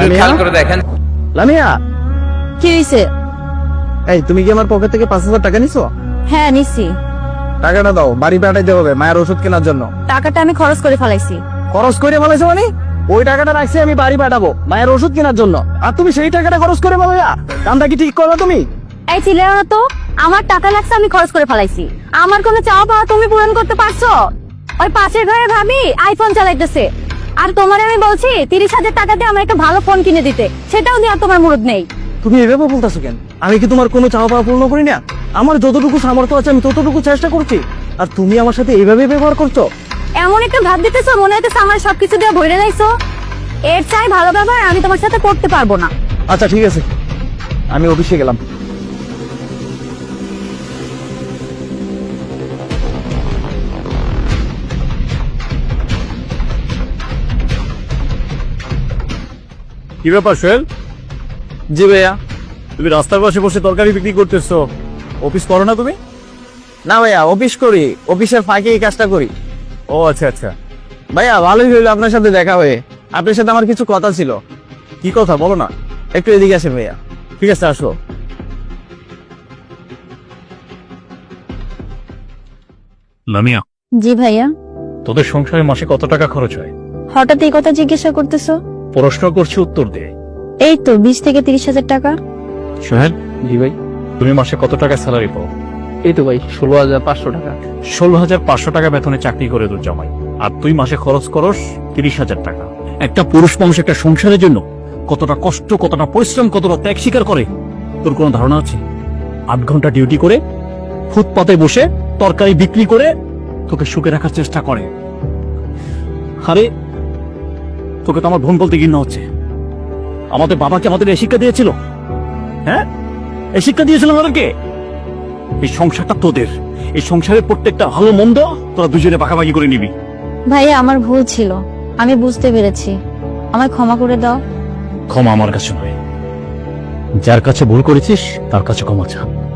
খেয়াল করে দেখেন। লামিয়া, কি হইছে? এই তুমি কি আমার পকেট থেকে 5,000 টাকা নিছো? হ্যাঁ নিছি। টাকাটা দাও, বাড়ি পাঠাইতে হবে মায়ের ওষুধ কেনার জন্য। টাকাটা আমি খরচ করে ফেলাইছি। খরচ করে ফেলাইছো মানে? ওই টাকাটা রাখছি আমি বাড়ি পাঠাবো মায়ের ওষুধ কেনার জন্য, আর তুমি সেই টাকাটা খরচ করে ফেলাইয়া কামটা কি ঠিক করবে তুমি? এই চিল্লাও না তো, আমার টাকা লাগছে আমি খরচ করে ফেলাইছি। আমার কোনো চাওয়া পাওয়া তুমি পূরণ করতে পারছো? ওই পাশের ঘরে ভাবি আইফোন চালাইতেছে, আর তোমার আমি বলছি 30,000 টাকা দিয়ে আমার একটা ভালো ফোন কিনে দিতে, সেটাও দেওয়ার তোমার মুরুদ নেই। তুমি এভাবে বলতেছো কেন? আমি কি তোমার কোনো চাওয়া পাওয়া পূর্ণ করি না? আমার যতটুকু সামর্থ্য আছে আমি ততটুকু চেষ্টা করছি, আর তুমি আমার সাথে এইভাবে ব্যবহার করছো। এমন একটা ভাব দিতেছো মনে হইতেছে আমার সবকিছু দিয়ে ভরে যাইছো। এর চাই ভালো ব্যবহার আমি তোমার সাথে করতে পারবো না। আচ্ছা ঠিক আছে, আমি অফিসে গেলাম। কি ব্যাপার সোহেল, জি ভাইয়া। তুমি রাস্তার পাশে বসে তরকারি বিক্রি করতেছো, অফিস করো না তুমি? না ভাইয়া, অফিস করি, অফিসের ফাঁকে এই কাজটা করি। ও আচ্ছা আচ্ছা, ভাইয়া ভালোই হইলো আপনার সাথে দেখা হয়ে। আপনার সাথে আমার কিছু কথা ছিল। কি কথা বলো না। একটু এদিকে আসেন ভাইয়া। ঠিক আছে আসো। লামিয়া, জি ভাইয়া। তোদের সংসারে মাসে কত টাকা খরচ হয়? হঠাৎ এই কথা জিজ্ঞাসা করতেছো? প্রশ্ন করছি, উত্তর দে। এই তো 20 থেকে 30,000 টাকা। সোহেল, জি ভাই। তুমি মাসে কত টাকা স্যালারি পাও? এই তো ভাই 16,500 টাকা। 16,500 টাকা বেতনে চাকরি করে তোর জামাই, আর তুই মাসে খরচ করস 30,000 টাকা। একটা পুরুষ মানুষ একটা সংসারের জন্য কতটা কষ্ট, কতটা পরিশ্রম, কতটা ত্যাগ স্বীকার করে তোর কোনো ধারণা আছে? 8 ঘন্টা ডিউটি করে ফুটপাতে বসে তরকারি বিক্রি করে তোকে সুখে রাখার চেষ্টা করে। আরে তোকে তো আমার বোন বলতে ঘৃণা হচ্ছে। আমাদের বাবাকে আমাদের এই শিক্ষা দিয়েছিল, হ্যাঁ এই শিক্ষা দিয়েছিল আমাদেরকে। এই সংসারটা তোদের, এই সংসারের প্রত্যেকটা ভালো মন্দ তোরা দুজনে ভাগাভাগি করে নিবি। ভাইয়া আমার ভুল ছিল, আমি বুঝতে পেরেছি, আমায় ক্ষমা করে দাও। ক্ষমা আমার কাছে নয়, যার কাছে ভুল করেছিস তার কাছে ক্ষমা চা।